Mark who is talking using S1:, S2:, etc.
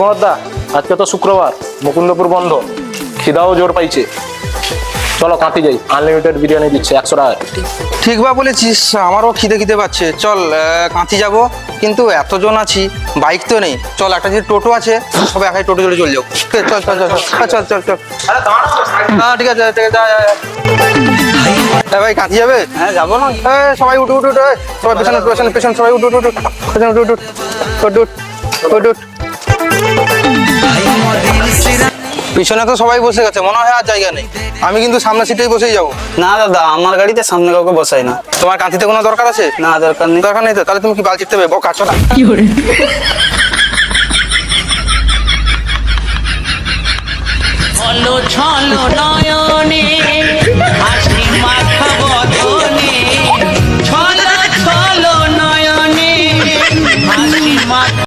S1: মহদ্দা আজকে তো শুক্রবার, মুকুন্দপুর বন্ধ, খিদাও জোর পাইছে। চলো কাঁথি যাই, আনলিমিটেড বিরিয়ানি দিচ্ছে 100 টাকা।
S2: ঠিক বা বলেছিস, আমারও খিদে পাচ্ছে। চল কাঁথি যাব, কিন্তু এতজন আছি, বাইক তো নেই। চল একটা যে টোটো আছে, সবাই একাই টোটো চলে যাও। চল চল চল চল চল চল চল। হ্যাঁ ঠিক আছে ঠিক আছে। হ্যাঁ ভাই কাঁথি যাবে?
S3: হ্যাঁ যাবো না।
S2: সবাই উঠে উঠে উঠে, সবাই পেছনে পেছনে পেছনে সবাই উঠে উঠে উঠে পেছনে উঠে উঠে উঠে উঠে উঠে। পিছনে তো সবাই বসে গেছে, মনে হয় আর জায়গা নেই। আমি কিন্তু সামনে সিটেই বসেই যাবো।
S3: না দাদা, আমার গাড়িতে সামনে কাউকে বসাই না।
S2: তোমার কাঁথিতে কোনো দরকার আছে?
S3: না দরকার নেই।
S2: দরকার নেই তো তাহলে তুমি কি বাল চিপতে হবে? বোকা চলা।
S4: ছলো ছলো নয়নে হাসি মাখা বদনে, ছলো ছলো নয়নে হাসি মাখা